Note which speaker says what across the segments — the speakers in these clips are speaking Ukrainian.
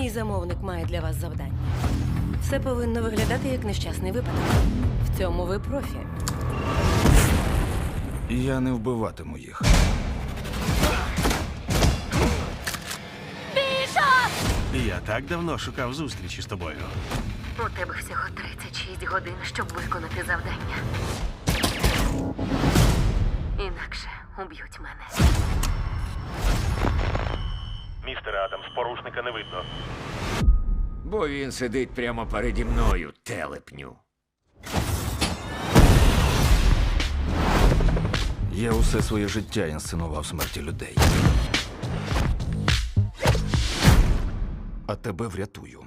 Speaker 1: Мій замовник має для вас завдання. Все повинно виглядати як нещасний випадок. В цьому ви профі.
Speaker 2: Я не вбиватиму їх.
Speaker 3: Я так давно шукав зустрічі з тобою.
Speaker 4: У тебе всього 36 годин, щоб виконати завдання. Інакше уб'ють мене.
Speaker 3: Містере Адамс, порушника не видно.
Speaker 5: Бо він сидить прямо переді мною, телепню.
Speaker 2: Я усе своє життя інсценував смерті людей. А тебе врятую.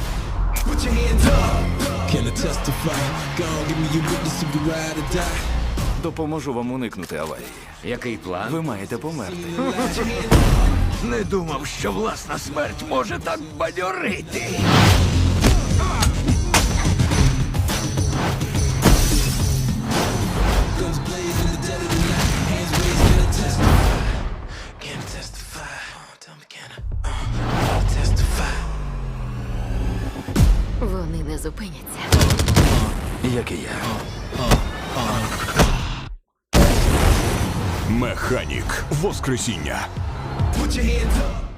Speaker 6: Can I testify? Go on, give me your witness if you ride or die.
Speaker 2: Допоможу вам уникнути аварії.
Speaker 5: Який план?
Speaker 2: Ви маєте померти.
Speaker 5: Не думав, що власна смерть може так бадьорити.
Speaker 6: Guns blazing, the dead of the night. Hands raised, can I testify? Can I testify? Tell me, can I testify?
Speaker 4: Вони не зупиняться.
Speaker 2: Як і я.
Speaker 7: Механік. Воскресіння.
Speaker 6: Put your hands up.